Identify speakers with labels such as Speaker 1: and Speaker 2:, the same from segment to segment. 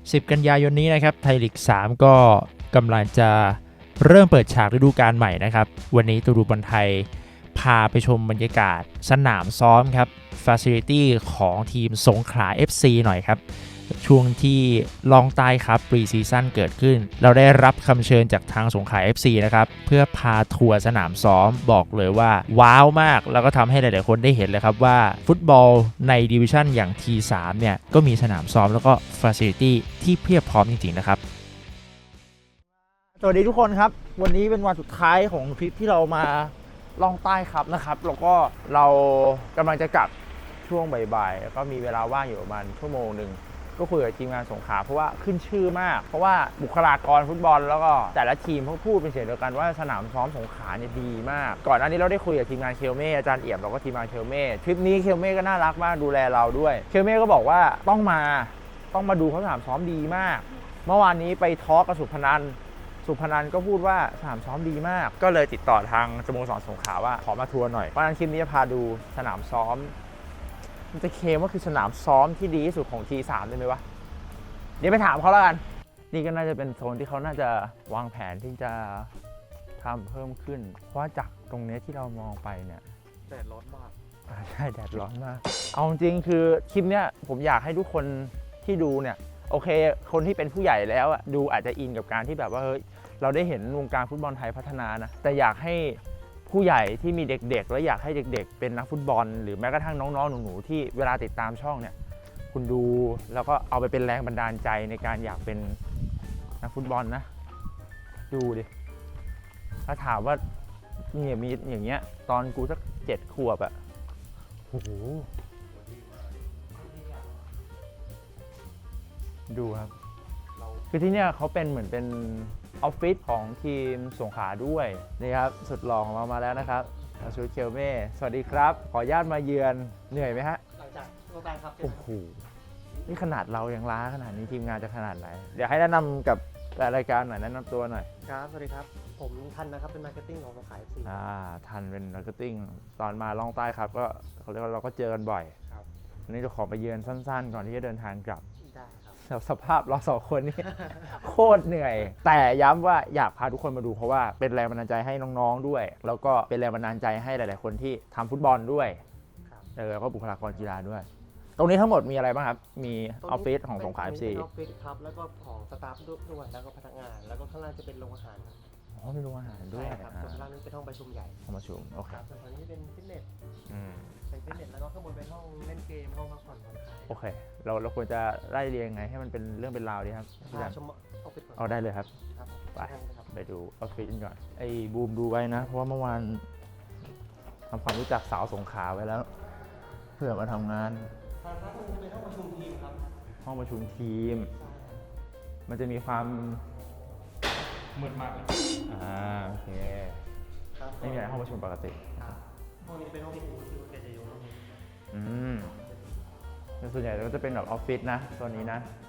Speaker 1: 10 กันยายนนี้นะครับไทยลีก 3 ก็กำลังจะเริ่มเปิดฉากฤดูกาลใหม่นะครับวันนี้ตูดูบอลไทยพาไปชมบรรยากาศสนามซ้อมครับ Facility ของทีมสงขลา FC หน่อยครับช่วงที่ลองใต้ครับปรีซีซั่นเกิดขึ้นเราได้รับคำเชิญจากทางสงขลา FC นะครับเพื่อพาทัวร์สนามซ้อมบอกเลยว่าว้าวมากแล้วก็ทำให้หลายๆคนได้เห็นเลยครับว่าฟุตบอลในดิวิชั่นอย่าง T3 เนี่ยก็มีสนามซ้อมแล้วก็ Facility ที่เพียบพร้อมจริงๆนะครับสวัสดีทุกคนครับวันนี้เป็นวันสุดท้ายของทริปที่เรามาล่องใต้ครับนะครับแล้วก็เรากำลังจะกลับช่วงบ่ายๆแล้วก็มีเวลาว่างอยู่ประมาณชั่วโมงหนึ่งก็คุยกับทีมงานสงขลาเพราะว่าขึ้นชื่อมากเพราะว่าบุคลากรฟุตบอลแล้วก็แต่ละทีมเขาพูดเป็นเสียงเดียวกันว่าสนามซ้อมสงขลาเนี่ยดีมากก่อนหน้านี้เราได้คุยกับทีมงานเคลเม่อาจารย์เอี่ยมเราก็ทีมงานเคลเม่ทริปนี้เคลเม่ก็น่ารักมากดูแลเราด้วยเคลเม่ก็บอกว่าต้องมาดูเขาสนามซ้อมดีมากเมื่อวานนี้ไปทอล์กกับสุพนันก็พูดว่าสนามซ้อมดีมากก็เลยติดต่อทางสโมสรสงขลาว่าขอมาทัวร์หน่อยเพราะฉะนั้นคลิปนี้จะพาดูสนามซ้อมมันจะเคลมว่าคือสนามซ้อมที่ดีที่สุดของ T3 ได้ไหมวะเดี๋ยวไปถามเขาแล้วกันนี่ก็น่าจะเป็นโซนที่เขาน่าจะวางแผนที่จะทำเพิ่มขึ้นเพราะจากตรงนี้ที่เรามองไปเนี่ย
Speaker 2: แดดร้อนมาก
Speaker 1: ใช่แดดร้อนมากเอาจริงคือคลิปเนี้ยผมอยากให้ทุกคนที่ดูเนี่ยโอเคคนที่เป็นผู้ใหญ่แล้วดูอาจจะอินกับการที่แบบว่าเฮ้ยเราได้เห็นวงการฟุตบอลไทยพัฒนานะแต่อยากให้ผู้ใหญ่ที่มีเด็กๆและอยากให้เด็กๆเป็นนักฟุตบอลหรือแม้กระทั่งน้องๆหนูๆที่เวลาติดตามช่องเนี่ยคุณดูแล้วก็เอาไปเป็นแรงบันดาลใจในการอยากเป็นนักฟุตบอลนะดูดิถ้าถามว่าเนี่ยมีอย่างเงี้ยตอนกูสัก7 ขวบโอ้โหดูครับคือที่เนี่ยเขาเป็นเหมือนเป็นออฟฟิศของทีมสงขลาด้วยนี่ครับสุดหล่อของเรามาแล้วนะครับอาชูเคลเม่สวัสดีครับขออนุญาตมาเยือนเหนื่อยไหมฮะ
Speaker 2: หลังจากลงไปครับ
Speaker 1: โอ้โหนี่ขนาดเรายังล้าขนาดนี้ทีมงานจะขนาดไหนเดี๋ยวให้แนะนำกับรายการหน่อยแนะนำตัวหน่อย
Speaker 2: ครับสวัสดีครับผมทันนะครับเป็นมาร์เก็ตติ้งของสงขลา FC
Speaker 1: ทันเป็นมาร์เก็ตติ้งตอนมาล่องใต้ครับก็เขาเรียกว่าเราก็เจอกันบ่อย
Speaker 2: ครับ
Speaker 1: วันนี้จะขอไปเยือนสั้นๆก่อนที่จะเดินทางกลับ
Speaker 2: ได้ครับ
Speaker 1: สภาพเรา2 คนนี่ โคตรเหนื่อยแต่ย้ำว่าอยากพาทุกคนมาดูเพราะว่าเป็นแรงบันดาลใจให้น้องๆด้วยแล้วก็เป็นแรงบันดาลใจให้หลายๆคนที่ทำฟุตบอลด้วยแล้วก็บุคลากรกีฬาด้วยตรงนี้ทั้งหมดมีอะไรบ้างครับมีออฟฟิศของสงขลา FC
Speaker 2: ออฟฟิศครับแล้วก็ของสตาฟด้วยแล้วก็พนักงานแล้วก็ข้างล่างจะเป็นโรงอาหารครับ
Speaker 1: อ๋อมีโรงอาหารด้วย
Speaker 2: ครับส่วนข้างล่างนี้เป็นห้องประชุมใหญ่
Speaker 1: ห้องประชุมโอเค
Speaker 2: ส่วนตรงนี้เป็นฟิตเนสเป็นฟิตเนสแล้วก็ข้างบนเป็นห้องเล่นเกมห้องพักผ่อนผ่อนคลาย
Speaker 1: โอเคเราควรจะไล่เรียงไงให้มันเป็นเรื่องเป็นราวดีครับ
Speaker 2: ชมออฟฟิศ
Speaker 1: เอาได้เลยครับไปดูออฟฟิศกันก่อนไอ้บูมดูไว้นะเพราะว่าเมื่อวานทำความรู้จักสาวสงขลาไว้แล้วเพื่อมาทำงาน
Speaker 2: เป็นห้องประชุมทีมครับ
Speaker 1: ห้องประชุมทีมมันจะมีความ
Speaker 2: มืดมาก
Speaker 1: โอเคไม่มีอะไรห้องประชุมปกติ
Speaker 2: ห้องนี้เป็นห้องที่แกจะอยู่ห้องนี้
Speaker 1: ส่วนใหญ่ก็จะเป็นแบบออฟฟิศนะโซนนี้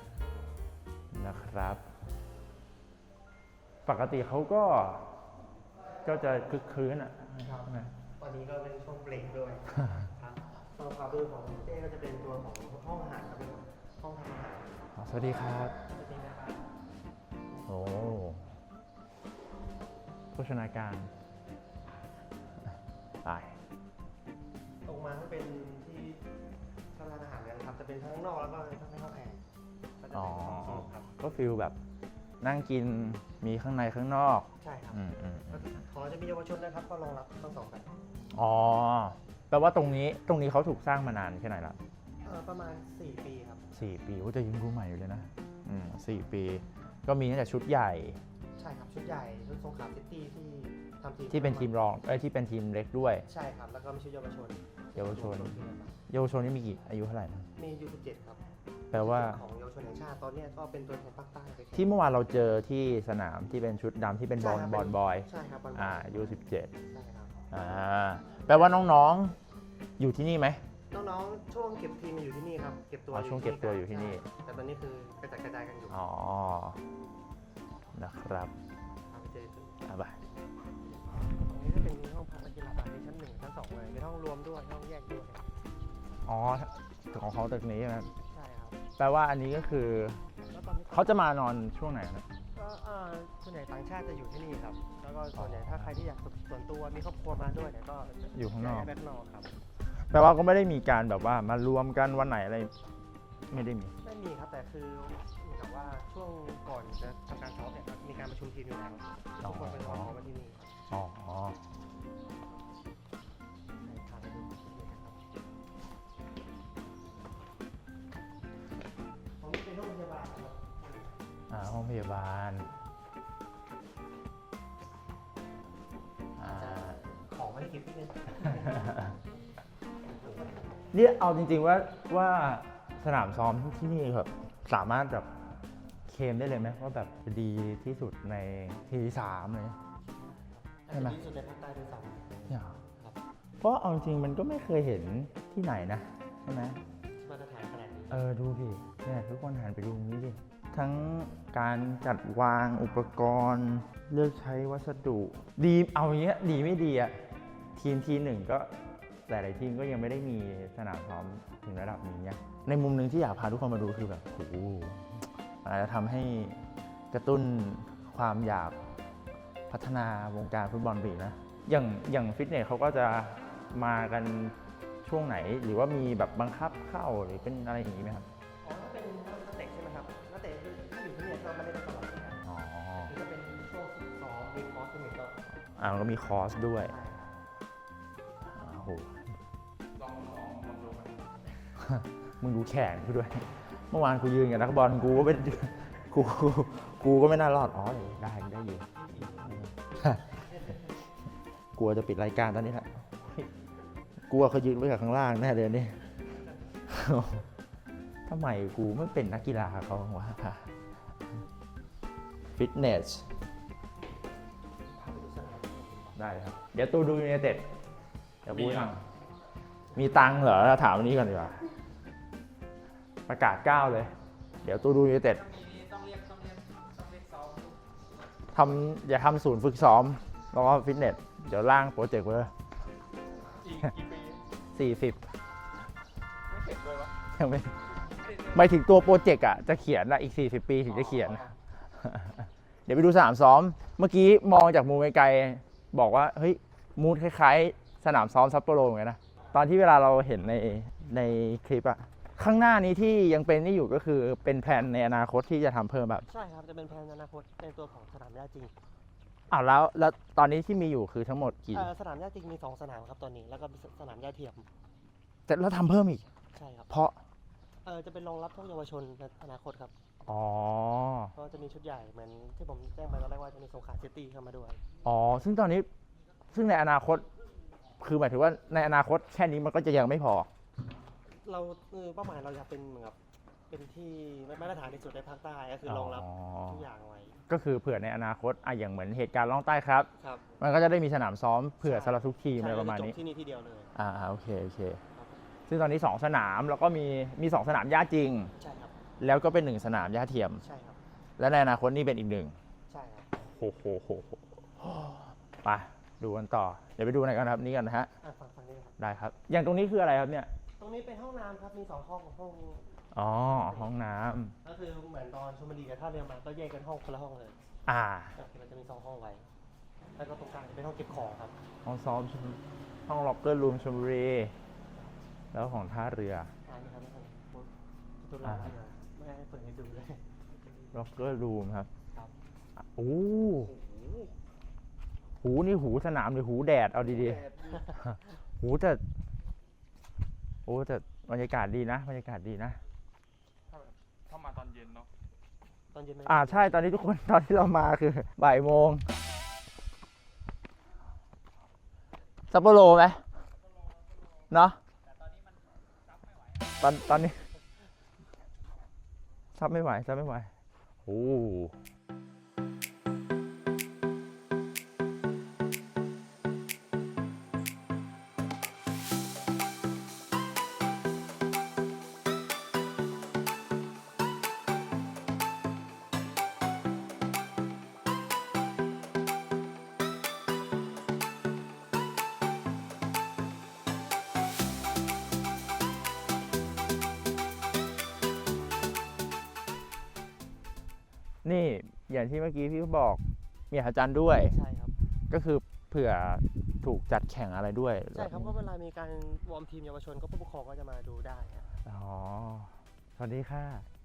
Speaker 1: นะครับปกติเขาก็จะคึกคืน
Speaker 2: ตอนนี้ก็เป็นช่วงเบรกด้วยครับส่วนความดูของเต้ก็จะเป็นตัวของห้องอาหารครับเป็นห้องทำอาหาร
Speaker 1: สวัสดีครับโอ้โภชนาการ
Speaker 2: ตรงมาก็เป็นที่ทำร้านอาหารกันครับจะเป็นทั้งนอกแล้วก็ทั้งในห้องแอร์
Speaker 1: ก็ฟิลแบบนั่งกินมีข้างในข้างนอก
Speaker 2: ใช่ครับขอจะมีเยาวชนนะครับก็รองรับทั้ง2แบบ
Speaker 1: แปลว่าตรงนี้เขาถูกสร้างมานานแค่ไหนละ
Speaker 2: ประมาณ4 ปีครับ
Speaker 1: 4 ปีก็จะยังรู้ใหม่อยู่เลยนะ4 ปีก็มีตั้งแต่ชุดใหญ่
Speaker 2: ใช่ครับชุดใหญ่ชุดสงขลาซิตี้ที่ทำทีม
Speaker 1: ที่เป็นทีมรองที่เป็นทีมเล็กด้วย
Speaker 2: ใช่ครับแล้วก็มีชุดเยาวชน
Speaker 1: นี่มีกี่อายุเท่าไหร่นะ
Speaker 2: มี17ครับ
Speaker 1: แปลว่า
Speaker 2: ของเยาวชนแห่งชาติตอนนี้ก็เป็นตัวแทนภาคใต้
Speaker 1: ที่เมื่อวานเราเจอที่สนามที่เป็นชุดดำที่เป็นบอลบอย
Speaker 2: ใช่ครับ
Speaker 1: อายุ17
Speaker 2: ใช่ครับ
Speaker 1: แปลว่าน้องๆอยู่ที่นี่ไหม
Speaker 2: น้องๆช่วงเก็บทีมอยู่ที่นี่ครับเก็บตัว
Speaker 1: ช่วงเก็บตัวอยู่ที่นี่
Speaker 2: แต่ตอนนี้คือกระจายกันอยู่
Speaker 1: นะครับ
Speaker 2: ไปตรงนี้จะเป็นห้องพักนักกีฬาในชั้น1ชั้น2เลยเป็นห้องรวมด้วยห้องแยกด้วย
Speaker 1: ของเขาตึกนี้ใช่ไหม
Speaker 2: ใช่ครับ
Speaker 1: แปลว่าอันนี้ก็คือ
Speaker 2: ตอนนี้
Speaker 3: เขาจะมานอนช่วงไหนครับ
Speaker 2: ก็ส่วนใหญ่ต่างชาติจะอยู่ที่นี่ครับ แล้วก็ส่วนใหญ่ถ้าใครที่อยากฝึกส่วนตัวมีครอบครัวมาด้วยเนี่ยก็จะ
Speaker 3: อยู่ข้างนอก
Speaker 2: ย้ายไปข้างนอกครับ
Speaker 3: แปลว่าก็ไม่ได้มีการแบบว่ามารวมกันวันไหนอะไร ไม่ได้มี
Speaker 2: ไม่มีครับแต่คือเหมือนกับว่าช่วงก่อนจะทำการซ้อมเนี่ยมีการประชุมทีมอยู่แล้วทุกคนเป็นคนมาที่นี่ครับ
Speaker 3: อ๋อ
Speaker 2: ใช่ครับไปดูนี่นะครับผมเป็นโรงพยาบาลครับ
Speaker 3: ห้องพยาบาลอ่า
Speaker 2: ของไม่ได้คิดที่นึง
Speaker 3: เนี่ยเอาจริงๆว่าสนามซ้อมที่นี่แบบสามารถแบบเคลมได้เลยไหมว่าแบบดีที่สุดในทีสามเลย ใช่ไหม
Speaker 2: ที่สุดในภาคใต้ด้วยซ้ำ
Speaker 3: เนี่ย
Speaker 2: ครับ
Speaker 3: เพราะเอาจริงๆมันก็ไม่เคยเห็นที่ไหนนะใช่ไหม
Speaker 2: มาตรฐานขนาดนี้
Speaker 3: ดูดิเนี่ยทุกคนหันไปดูตรงนี้ดิทั้งการจัดวางอุปกรณ์เลือกใช้วัสดุดีเอาอย่างเงี้ยดีไม่ดีอะทีหนึ่งก็หลายๆทีมก็ยังไม่ได้มีสนามซ้อมถึงระดับนี้เนี่ยในมุมหนึ่งที่อยากพาทุกคนมาดูคือแบบโอ้โหอาจจะทำให้กระตุ้นความอยากพัฒนาวงการฟุตบอลไปอีกนะอย่างฟิตเนสเขาก็จะมากันช่วงไหนหรือว่ามีแบบบังคับเข้าหรือเป็นอะไรอย่างนี้ไหมครับ
Speaker 2: อ๋อถ้าเป็นนักเตะใช่ไหมครับนักเตะที่อยู่ที่เนี่ยก็ไม่ได้ตลอดนะครับ
Speaker 3: อ๋อ
Speaker 2: หรือจะเป็นช่วงฝึกซ้อมมีคอร์สที่หนึ่งก็
Speaker 3: มันก็มีคอร์สด้วย
Speaker 2: ใช่ครับ
Speaker 3: โอ้โหมึงดูแขนกูด้วย เมื่อวานกูยืนกับนักบอลกูก็ไม่กูก็ไม่น่ารอด อ๋อได้อยู่ กลัวจะปิดรายการตอนนี้แหละกลัวเขายืนไว้กับข้างล่างแน่เลยนี่ ทำไมกูไม่เป็นนักกีฬาเขาบ้างวะฟิตเนส
Speaker 2: พาไปดูสนาม
Speaker 3: ได้ครับ เดี๋ยวตูดูยูไนเต็ดเดี๋ยวพูดมีตังค์เหรอถามวันนี้ก่อนดีกว่า ประกาศ9เลย เดี๋ยวตูดูยูไนเต็ดอย่าทำศูนย์ฝึกซ้อม แล้วก็ฟิตเนส เดี๋ยวล่างโปรเจกต์ไว้เลย
Speaker 1: อีกกี่ปี
Speaker 3: 40
Speaker 1: ไม่เสร็จเลยวะ
Speaker 3: ยังไม่หมายถึงตัวโปรเจกต์อ่ะ จะเขียนอะอีก 40 ปีถึงจะเขียน เดี๋ยวไปดูสนามซ้อม เมื่อกี้มองจากมุมไกลๆบอกว่า เฮ้ย มูดคล้ายๆ สนามซ้อมซัปโปโรเหมือนกันนะ ตอนที่เวลาเราเห็นในคลิปอะข้างหน้านี้ที่ยังเป็นนี่อยู่ก็คือเป็นแผนในอนาคตที่จะทำเพิ่มแบบ
Speaker 2: ใช่ครับจะเป็นแผนอนาคตในตัวของสนามหญ้าจริง
Speaker 3: แล้วตอนนี้ที่มีอยู่คือทั้งหมดกี่
Speaker 2: สนามหญ้าจริงมี2สนามครับตอนนี้แล้วก็สนามหญ้าเทียม
Speaker 3: แต่เราทำเพิ่มอีก
Speaker 2: ใช่ครับ
Speaker 3: เพราะ
Speaker 2: จะเป็นรองรับพวกเยาวชนในอนาคตครับ
Speaker 3: อ๋อ
Speaker 2: ก็จะมีชุดใหญ่เหมือนที่ผมแจ้งไปตอนแรกว่าจะมีสงขลาซิตี้เข้ามาด้วย
Speaker 3: อ๋อ ซึ่งตอนนี้ซึ่งในอนาคต คือหมายถึงว่าในอนาคตแค่นี้มันก็จะยังไม่พอ
Speaker 2: เราเป้าหมายเราอยากเป็นเหมือนกับเป็นที่มาตรฐานที่สุดในภาคใต้ก็คือรองรับทุกอย่างไว้
Speaker 3: ก็คือเผื่อในอนาคตอย่างเหมือนเหตุการณ์ล่องใต้ครับ
Speaker 2: ครับ
Speaker 3: มันก็จะได้มีสนามซ้อมเผื่อ
Speaker 2: ใช่
Speaker 3: สำหรับทุกทีมอะไรประมาณ
Speaker 2: จ
Speaker 3: นี้
Speaker 2: บที่นี่ที่เดียวเลย
Speaker 3: โอเค ซึ่งตอนนี้ 2 สนามแล้วก็มี2 สนามหญ้าจริง
Speaker 2: ใช่ครับ
Speaker 3: แล้วก็เป็น1 สนามหญ้าเทียม
Speaker 2: ใช่ครับ
Speaker 3: และในอนาคตนี่เป็นอีก 1
Speaker 2: ใช่ครับ
Speaker 3: โอ้โหไปดูกันต่อ เดี๋ยวไปดูไหนกันครับนี่กันนะฮะ
Speaker 2: ฝั่งนี้ครับ
Speaker 3: ได้ครับ อย่างตรงนี้คืออะไรครับเนี่ย
Speaker 2: ตรงนี้เป็นห้องน้ำครับมี2ห้อง
Speaker 3: อ๋อ ห้องน้ำ
Speaker 2: ก็คือเหมือนตอนชลบุรีกับท่าเรือมาก็แยกกันห้องคนละห้องเลย ก็คือมันจะมี2ห้องไว้แล้วก็ตรงกลางจะเป็นห้องเก็บของครับ
Speaker 3: ห้องซ้อมห้องล็อกเกอร์รูมชลบุรี แล้วของท่าเรือ
Speaker 2: นี่ครับนี่ครับประตูหลังเลยไม่ให้เปิดให้ดูเลย
Speaker 3: ล็อกเกอร์รูมครับ
Speaker 2: ครับ
Speaker 3: โอ้หูนี่หูสนามหรือหูแดดเอาดีๆ หูแต่บรรยากาศดีนะบรรยากาศดีนะ
Speaker 1: ถ้ามาตอนเย็นเนาะ
Speaker 2: ตอนเย็นไหม
Speaker 3: ใช่ตอนนี้ทุกคนตอนที่เรามาคือบ่ายโมงซัปโปโรไหมเนาะตอนนี้ซับไม่ไหวโอ้นี่อย่างที่เมื่อกี้พี่บอกมีอาจารย์ด้วย
Speaker 2: ใช่ครับ
Speaker 3: ก็คือเผื่อถูกจัดแข่งอะไรด้วย
Speaker 2: ใช่ครับก็เวลามีการวอร์มทีมเยาวชนก็ผู้ปกครองก็จะมาดูได้ครับ
Speaker 3: อ๋อสวัสดีค่ะ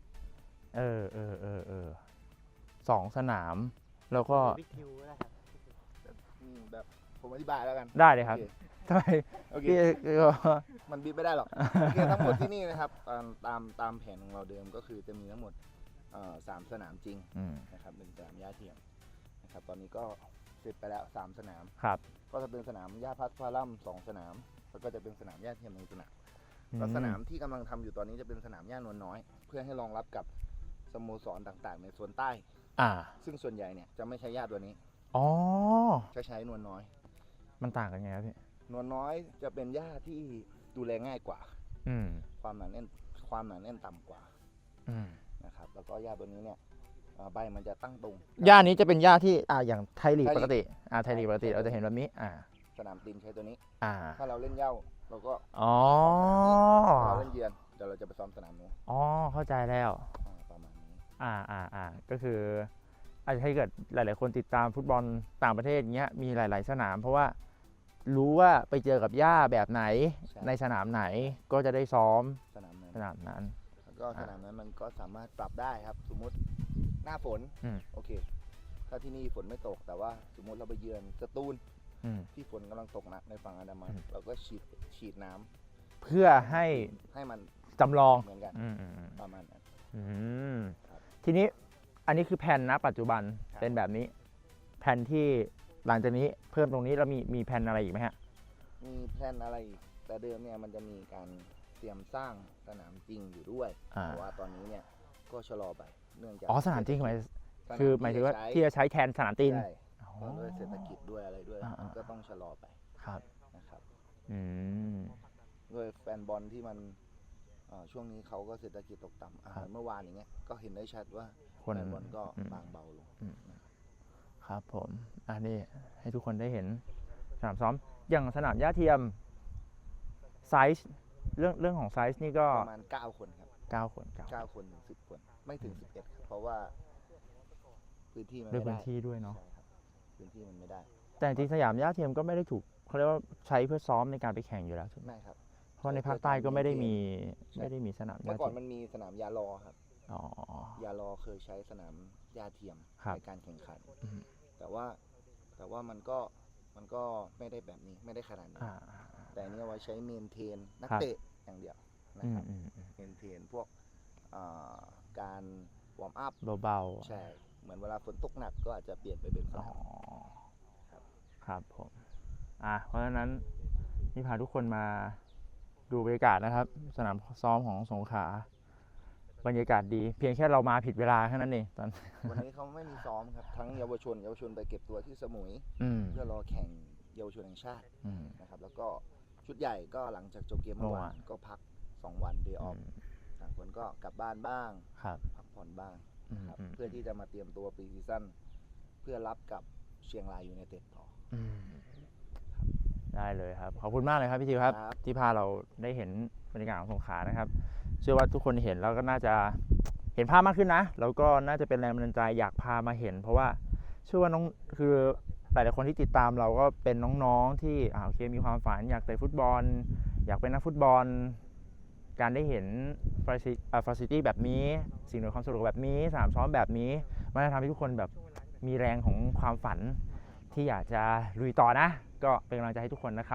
Speaker 3: สองสนาม แล้วก็
Speaker 2: บิ๊กทิวก็ได้ครับ
Speaker 4: แบบผมอธิบายแล้วกัน
Speaker 3: ได้เลยครับ ทำไม
Speaker 4: โอเค
Speaker 3: พี่ก็
Speaker 4: มันบีบไม่ได้หรอก โอเคทั้งหมดที่นี่นะครับตามแผนของเราเดิมก็คือจะมีทั้งหมด3 สนามจริง
Speaker 3: อืม
Speaker 4: นะครับ1 สนามหญ้าเทียมนะครับตอนนี้ก็เสร็จไปแล้ว3 สนาม
Speaker 3: ครับ
Speaker 4: ก็จะเป็นสนามหญ้าพัดฟาลัม2 สนาม แล้วก็จะเป็นสนามหญ้าเทียม1 สนามแล้วสนามที่กำลังทำอยู่ตอนนี้จะเป็นสนามหญ้านวลน้อย เพื่อให้รองรับกับสโมสรต่างๆ ในโซนใต้
Speaker 3: อ่า
Speaker 4: ซึ่งส่วนใหญ่เนี่ยจะไม่ใช้หญ้าตัวนี้
Speaker 3: อ๋อ
Speaker 4: จะใช้นวลน้อย
Speaker 3: มันต่างกันไงครับพี่
Speaker 4: นวลน้อยจะเป็นหญ้าที่ดูแลง่ายกว่า
Speaker 3: อืม
Speaker 4: ความหนาแน่นต่ำกว่า
Speaker 3: อืม
Speaker 4: นะครับแล้วก็หญ้าตัวนี้เนี่ยใบมันจะตั้งตรง
Speaker 3: หญ้านี้จะเป็นหญ้าที่อย่างไทยลีก
Speaker 4: ไทยลีก
Speaker 3: ปกติไทยลีกปกติเราจะเห็นแบบนี้
Speaker 4: สนามตีนใช้ตัวนี้
Speaker 3: อ่า
Speaker 4: ถ้าเราเล่นเหย้าเราก็
Speaker 3: อ๋อ
Speaker 4: ถ้าเราเล่นเยือนเดี๋ยวเราจะไปซ้อมสนามนู้น
Speaker 3: อ๋อ เข้าใจแล้ว
Speaker 4: ประมาณนี้
Speaker 3: ก็คืออาจจะให้เกิดหลาย ๆ คนติดตามฟุตบอลต่างประเทศเงี้ยมีหลาย ๆ สนาม เพราะว่ารู้ว่าไปเจอกับหญ้าแบบไหน
Speaker 4: ใช่
Speaker 3: ในสนามไหนก็จะได้ซ้อม
Speaker 4: สนามนั้น
Speaker 3: สนามนั้น
Speaker 4: แล้วก็สนามนั้นมันก็สามารถปรับได้ครับ สมมุติหน้าฝน
Speaker 3: อืม
Speaker 4: โอเค ถ้าที่นี่ฝนไม่ตกแต่ว่าสมมุติเราไปเยือนสตูล
Speaker 3: อืม
Speaker 4: ที่ฝนกำลังตกหนักในฝั่งอันดามัน
Speaker 3: อืม
Speaker 4: เราก็ฉีดน้ำ
Speaker 3: เพื่อให้
Speaker 4: ให้มัน
Speaker 3: จำลอง
Speaker 4: เหมือนกัน
Speaker 3: อืม
Speaker 4: ประมาณนั้น
Speaker 3: อืม
Speaker 4: ครับ
Speaker 3: ทีนี้อันนี้คือแผนนะปัจจุบัน
Speaker 4: ครับ
Speaker 3: เป็นแบบนี้ แผนที่หลังจากนี้เพิ่มตรงนี้แล้วมีแผนอะไรอีกไหมฮะ
Speaker 4: มีแพลนอะไรอีกแต่เดิมเนี่ยมันจะมีการเตรียมสร้างสนามจริงอยู่ด้วย
Speaker 3: อ่า
Speaker 4: แต่ว่าตอนนี้เนี่ยก็ชะลอไปเนื่องจาก
Speaker 3: อ๋อสนามจริงหมาย
Speaker 4: สน
Speaker 3: คือหมายถึงว่าที่จะใช้แทนสนามตีน
Speaker 4: ใช่
Speaker 3: อ๋อ
Speaker 4: เพราะด้วยเศรษฐกิจด้วยอะไรด้วย
Speaker 3: อ่าๆ
Speaker 4: ก็ต้องชะลอไป
Speaker 3: ครับ
Speaker 4: นะครับ
Speaker 3: อืม
Speaker 4: ด้วยแฟนบอลที่มันช่วงนี้เขาก็เศรษฐกิจตกต่ำ
Speaker 3: ครับ
Speaker 4: เมื่อวานอย่างเงี้ยก็เห็นได้ชัดว่า
Speaker 3: คน
Speaker 4: แฟนบอลก็
Speaker 3: อืม
Speaker 4: บางเบาลง
Speaker 3: ครับผม อันนี้ให้ทุกคนได้เห็นสนามซ้อม อย่างสนามหญ้าเทียมไซส์เรื่องของไซส์นี่ก็
Speaker 4: ประมาณ9 คนครับ
Speaker 3: 9 คน
Speaker 4: 9 คนถึง10 คนไม่ถึง 11ครับเพราะว่าพื้นที่มัน
Speaker 3: ด้วย
Speaker 4: ไม่
Speaker 3: พื้
Speaker 4: ได้
Speaker 3: นที่ด้วยเนาะ
Speaker 4: ใช่ครับพื้นที่มันไม่ได้
Speaker 3: แต่จริงๆสยามหญ้าเทียมก็ไม่ได้ถูกเขาเรียกว่าใช้เพื่อซ้อมในการไปแข่งอยู่แล้วถูกไหม
Speaker 4: ไม่ครับ
Speaker 3: เพราะในภาคใต้ก็ไม่ได้มี
Speaker 4: ใช่
Speaker 3: ไม่ได้มีสนามห
Speaker 4: เมื่
Speaker 3: ญ้า
Speaker 4: อก่อน
Speaker 3: เทียม
Speaker 4: มันมีสนามยาลอครับ
Speaker 3: อ๋อ
Speaker 4: ยาลอเคยใช้สนามหญ้าเทียม
Speaker 3: ครับ
Speaker 4: ในการแข่งขัน
Speaker 3: อืม
Speaker 4: แต่ว่ามันก็ไม่ได้แบบนี้ไม่ได้ขนาดนี้
Speaker 3: อ่า
Speaker 4: แต่อันนี้เอาไว้ใช้เมนเทนนัก
Speaker 3: ครับ
Speaker 4: เตะอย่างเดียวนะ
Speaker 3: อื
Speaker 4: ค
Speaker 3: ม
Speaker 4: รับ
Speaker 3: อืมอืม
Speaker 4: เมนเทนพวกการวอร์มอัพ
Speaker 3: เบาๆ
Speaker 4: ใช่เหมือนเวลาฝนตกหนักก็อาจจะเปลี่ยนไปเป็นส
Speaker 3: อ๋อ
Speaker 4: นาม
Speaker 3: ครับผม เพราะฉะนั้นนี่พาทุกคนมาดูบรรยากาศนะครับ สนามซ้อมของสงขลาบรรยากาศดี เพียงแค่เรามาผิดเวลาแค่นั้นเองตอน
Speaker 4: วันนี้เขาไม่มีซ้อมครับทั้งเยาวชนไปเก็บตัวที่สมุย
Speaker 3: อืม
Speaker 4: เพื่อรอแข่งเยาวชนแห่งชาติ
Speaker 3: อืม
Speaker 4: นะครับแล้วก็ชุดใหญ่ก็หลังจากจบเกมเมื่อวานก็พัก 2 วันเดย์ออฟต่างคนก็กลับบ้านบ้าง
Speaker 3: ครับ
Speaker 4: พักผ่อนบ้าง
Speaker 3: อืม
Speaker 4: ครับ
Speaker 3: อืม
Speaker 4: เพื่อที่จะมาเตรียมตัวปีซีซั่นเพื่อรับกับเชียงรายยูไนเต็ดต่อ
Speaker 3: อืมได้เลยครับ ขอบคุณมากเลยครับพี่ทิวครับ
Speaker 4: ครับ
Speaker 3: ที่พาเราได้เห็นบรรยากาศของสงขลานะครับ เชื่อว่าทุกคนเห็นแล้วก็น่าจะเห็นภาพมากขึ้นนะ แล้วก็น่าจะเป็นแรงบันดาลใจอยากพามาเห็น เพราะว่าเชื่อว่าน้องคือหลายๆคนที่ติดตามเราก็เป็นน้องๆที่โอเคมีความฝันอยากเตะฟุตบอล อยากเป็นนักฟุตบอล การได้เห็นฟาซิลิตี้แบบนี้ สิ่งอำนวยความสะดวกแบบนี้สนามซ้อมแบบนี้มันจะทำให้ทุกคนแบบมีแรงของความฝันที่อยากจะลุยต่อนะ ก็เป็นกำลังใจให้ทุกคนนะครับ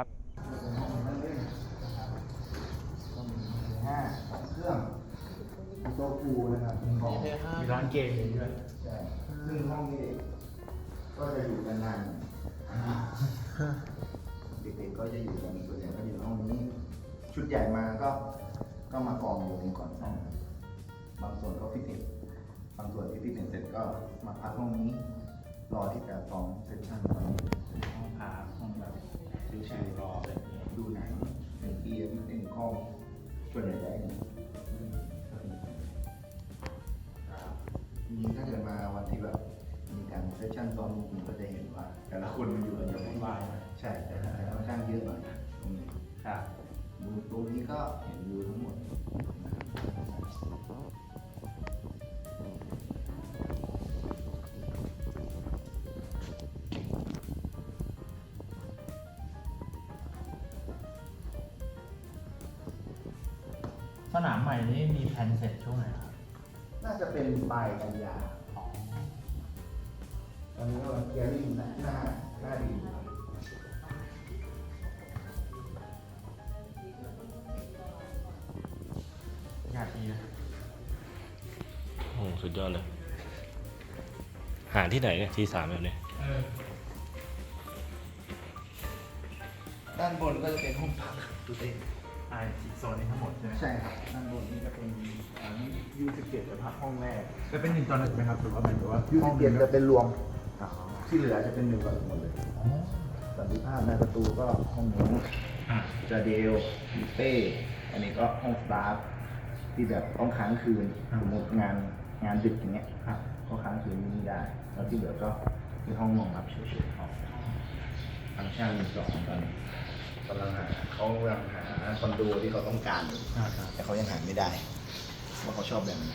Speaker 4: เครื่องโต๊ะปูนะครับของ
Speaker 3: มีร้านเกมด้วย
Speaker 4: ใช่ซึ่งห้องนี้ก็จะอยู่กันนานเด็กๆก็จะอยู่กันส่วนใหญ่ก็อยู่ห้องนี้ ชุดใหญ่มาก็มากองอยู่นี้ก่อนซ้อมบางส่วนก็ฟิตเนสบางส่วนที่ฟิตเนสเสร็จก็มาพักห้องนี้ รอที่จะซ้อมเซสชั่นตอนนี้
Speaker 3: ห้องพัก
Speaker 4: ห้องแบบ
Speaker 3: ชิวๆรออะไรอย่างเงี้ย
Speaker 4: ดูหนังเล่นเกมเล่นคอมส่วนใหญ่ได้เนี่ยจริงๆถ้าเกิดมาวันที่แบบมีการเซสชั่นซ้อมจริงก็จะเห็นว่า แต่ละคนมันอยู่กันยังไง
Speaker 3: วาย
Speaker 4: ใช่แต่ค่อนข้างเยอะหน่อยตรงนี้
Speaker 3: ครับ
Speaker 4: ดูตรงนี้ก็เห็นวิวทั้งหมดนะครับ
Speaker 1: สนามใหม่นี้มีแผนเสร็จช่วงไหนครับ
Speaker 4: น่าจะเป็นปลายกันยาตอนนี้ก็เกียร์ริ่งหน้าดี
Speaker 1: งานดีนะ
Speaker 5: โอ้สุดยอดเลย หาที่ไหนเนี่ยทีสามแบบนี้
Speaker 4: ด้านบนก็จะเป็นห้องพักดูเต้
Speaker 1: โซนนี้ทั้งหมดใช่ไหม
Speaker 4: ใช่ครับด้านบนนี้จะเป็นU17 จะพักห้องแรก
Speaker 1: จะเป็น1:1ไหมครับหรือว่าหมายถึงว่า
Speaker 4: U17 จะเป็นรวมที่เหลือจะเป็น1:1หมดเลยสันติภาพในประตูก็ห้องนี้จาเดลมิเต้อันนี้ก็ห้องสตาฟที่แบบต้องค้างคืนสมมติงานดึกอย่างเงี้ยก็ค้างคืนนี้ได้แล้วที่เหลือก็เป็นห้องนอนรับเฉยๆทางช่างมี2ตอนนี้เขากำลังหาคอนโดที่เขาต้องการอยู่แต่เขายังหาไม่ได้ว่าเขาชอบแบบไหน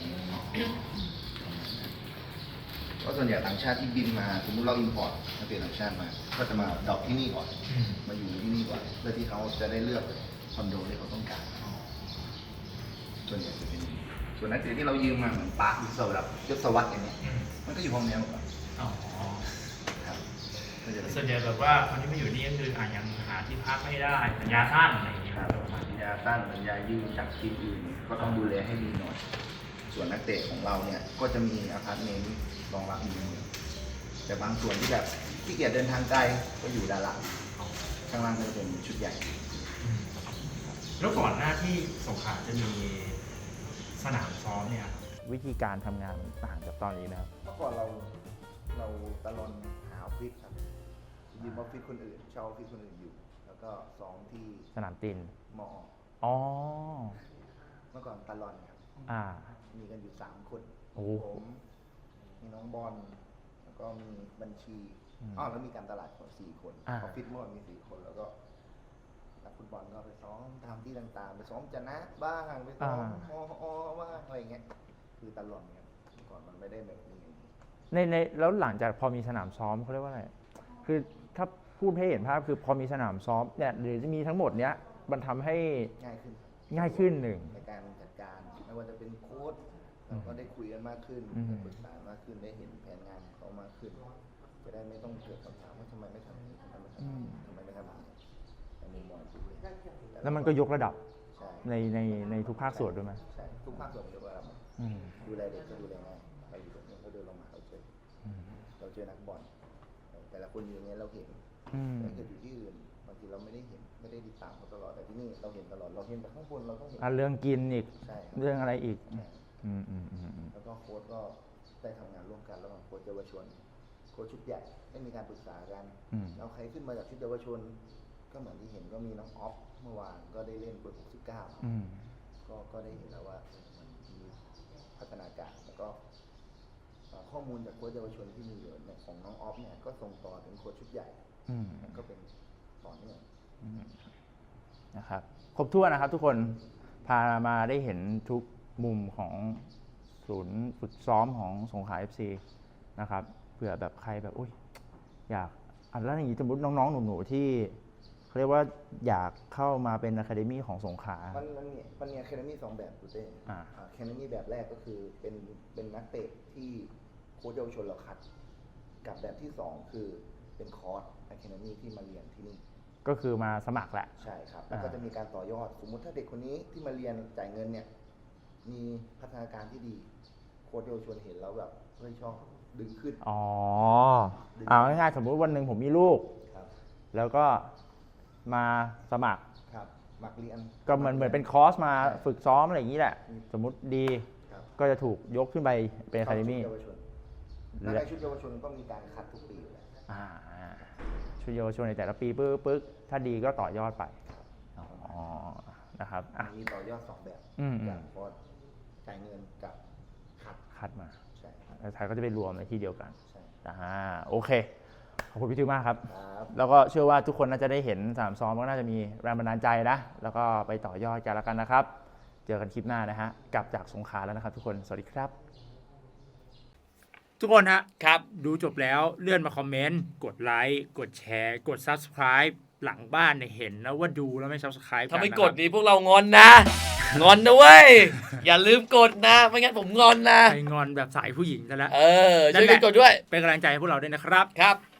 Speaker 4: ก็ส่วนใหญ่ต่างชาติที่บินมาสมมติเราอินพอร์ตนักเตะต่างชาติมาก็จะมาดรอปที่นี่ก่อนมาอยู่ที่นี่ก่อนเพื่อที่เขาจะได้เลือกคอนโดที่เขาต้องการส่วนใหญ่จะเป็นส่วนนักเตะที่เรายืมมาเหมือนปาร์คสำหรับยศวรรษอย่างเงี้ยมันก็อยู่ห้องนี้มาก่อนครับก็จะเป็น
Speaker 1: ส่วนใหญ่แบบว่าคนที่มาอยู่นี่ก็คือยังหาที่พักไม่ได้สัญญาสั้นอะไรอย่างเงี้ย
Speaker 4: ครับสัญญาสั้นสัญญายืมจากทีมอื่นก็ต้องดูแลให้ดีหน่อย ส่วนนักเตะของเราเนี่ยก็จะมีอพาร์ตเมนต์รองรับอยู่แต่บางส่วนที่แบบที่เกียจเดินทางไกลก็อยู่ด้านหลังข้างล่างก็จะเป็นชุดใหญ่
Speaker 1: แล้วก่อนหน้าที่สงขลาจะมีสนามซ้อมเนี่ย
Speaker 3: วิธีการทำงานมันต่างจากตอนนี้นะครับ
Speaker 4: เมื่อก่อนเราตะลอนหาออฟฟิศครับยืมออฟฟิศคนอื่นเช่าออฟฟิศคนอื่นอยู่ แล้วก็ซ้อมที่
Speaker 3: สนามติน
Speaker 4: มอ
Speaker 3: อ๋อ
Speaker 4: เมื่อก่อนตะลอนครับ มีกันอยู่3 คน
Speaker 3: โอ้
Speaker 4: ผมมีน้องบอลแล้วก็มีบัญชีแล้วมีการตลาดคน4 คนออฟฟิศเมื่อก่อนมี4 คนแล้วก็นักฟุตบอลก็ไปซ้อมตามที่ต่างๆไปซ้อมจะนะบ้างไปซ้อมบ้างอะไรเงี้ยคือตลอดเนี่ยเมื่อก่อนมันไม่ได้แบบนี้
Speaker 3: ในแล้วหลังจากพอมีสนามซ้อมเขาเรียกว่าอะไร คือถ้าพูดให้เห็นภาพคือพอมีสนามซ้อมเนี่ยหรือจะมีทั้งหมดเนี้ยมันทำให้
Speaker 4: ง่ายขึ้น
Speaker 3: ง่ายขึ้นหนึ่ง
Speaker 4: ในการจัดการไม่ว่าจะเป็นโค้ชเราก็ได้คุยกันมากขึ้น
Speaker 3: อืม
Speaker 4: ได้ปรึกษามากขึ้นได้เห็นแผนงานของเขามากขึ้น จะได้ไม่ต้องเกิดคำถามว่าทำไมไม่ทำอย่างนี้ทำไมไม่ทำอย่างนี้ทำไมไม่ทำอย่างนี้ในมุมมองผู้เล่น
Speaker 3: แล้วมันก็ยกระดับ
Speaker 4: ใช่
Speaker 3: ในทุกภาคส่วนด้วยไหม
Speaker 4: ใช่ทุกภาคส่วนยกระดับ
Speaker 3: อืม
Speaker 4: ดูแลเด็กก็ดูแลง่ายเราอยู่ตรงนี้ก็เดินลงมาเราเจอนักบอลแต่ละคนอยู่อย่างเงี้ยเราเห็น
Speaker 3: อืม
Speaker 4: แต่ถ้าเกิดอยู่ที่อื่นบางทีเราไม่ได้เห็นไม่ได้ติดตามเขาตลอดแต่ที่นี่เราเห็นตลอดเราเห็นจากข้างบนเราต้องเห็น
Speaker 3: เรื่องกินอีก
Speaker 4: ใช่ครับ
Speaker 3: เรื่องอะไรอีก
Speaker 4: ใช่
Speaker 3: อืม
Speaker 4: แล้วก็โค้ชก็ได้ทำงานร่วมกันระหว่างโค้ชเยาวชนโค้ชชุดใหญ่ได้มีการปรึกษากัน
Speaker 3: อืม
Speaker 4: เอาใครขึ้นมาจากชุดเยาวชน ก็เหมือนที่เห็นก็มีน้องออฟเมื่อวานก็ได้เล่นเบอร์ 69
Speaker 3: อืม
Speaker 4: ก็ได้เห็นแล้วว่ามันมีพัฒนาการแล้วก็ข้อมูลจากโค้ชเยาวชนที่มีอยู่เนี่ยของน้องออฟเนี่ยก็ส่งต่อถึงโค้ชชุดใหญ่
Speaker 3: อืม
Speaker 4: ก็เป็นต่อเนื่อง
Speaker 3: นะครับครบถ้วนนะครับทุกคนพามาได้เห็นทุกมุมของศูนย์ฝึกซ้อมของสงขลา FC นะครับเผื่อแบบใครแบบอุ้ยอยากแล้วอย่างนี้สมมติน้องๆหนูๆที่เขาเรียกว่าอยากเข้ามาเป็นอะคาเดมี่ของสงขลา
Speaker 4: มันมีอะคาเดมี่2 แบบดูเต้
Speaker 3: อ่า
Speaker 4: อะคาเดมี่แบบแรกก็คือเป็นนักเตะที่โค้ชเยาวชนเราคัด กับแบบที่ 2 คือเป็นคอร์สอะคาเดมี่ที่มาเรียนที่นี่
Speaker 3: ก็คือมาสมัครแหละ
Speaker 4: ใช่ครับ แล้วก็จะมีการต่อยอด สมมุติถ้าเด็กคนนี้ที่มาเรียนจ่ายเงินเนี่ย มีพัฒนาการที่ดี โค้ชเยาวชนเห็นแล้วแบบเฮ้ยชอบดึงขึ้น
Speaker 3: อ๋อเอาง่ายๆสมมุติวันหนึ่งผมมีลูก
Speaker 4: ครับ
Speaker 3: แล้วก็มาสมัคร
Speaker 4: ครับมักเรียน
Speaker 3: ก็เหมือนเป็นคอร์สมาฝึกซ้อมอะไรอย่างนี้แหละ สมมุติดี
Speaker 4: ครับ
Speaker 3: ก็จะถูกยกขึ้นไปเป็นอะคาเดมี่
Speaker 4: ชุดเยาวชนและในชุดเยาวชนก็มีการคัดทุกปีอยู่แล้ว
Speaker 3: ชุดเยาวชนในแต่ละปีปึ๊กถ้าดีก็ต่อยอดไปอ๋อนะครับอ่ะ
Speaker 4: มีต่อยอด2 แบบ
Speaker 3: อืม
Speaker 4: อย่างคอร์สจ่ายเงินกับคัด
Speaker 3: คัดมา
Speaker 4: ใช่ครับ
Speaker 3: แล้วท้ายก็จะไปรวมในที่เดียวกัน
Speaker 4: ใช่
Speaker 3: โอเค ขอบคุณพี่ทิวมากครับ
Speaker 4: ครับ
Speaker 3: แล้วก็เชื่อว่าทุกคนน่าจะได้เห็นสนามซ้อมก็น่าจะมีแรงบันดาลใจนะ แล้วก็ไปต่อยอดกันแล้วกันนะครับ เจอกันคลิปหน้านะฮะ กลับจากสงขลาแล้วนะครับทุกคน สวัสดีครับ
Speaker 1: ทุกคนฮะครับดูจบแล้วเลื่อนมาคอมเมนต์กดไลค์กดแชร์กด Subscribe หลังบ้านเนี่ยเห็นแล้วว่าดูแล้วไม่ Subscribe
Speaker 5: ถ้าไม่
Speaker 1: นนะ
Speaker 5: ก
Speaker 1: ค
Speaker 5: ด
Speaker 1: รับ
Speaker 5: นี้พวกเรางอนนะ
Speaker 6: งอนนะเว้ย อย่าลืมกดนะ ไม่งั้นผมงอนนะ
Speaker 1: ไปงอนแบบสายผู้หญิงซะแล้ว
Speaker 6: ช่วยกันกดด้วย
Speaker 1: เป็นกำลังใจให้พวกเราด้วยนะครับ
Speaker 6: ครับ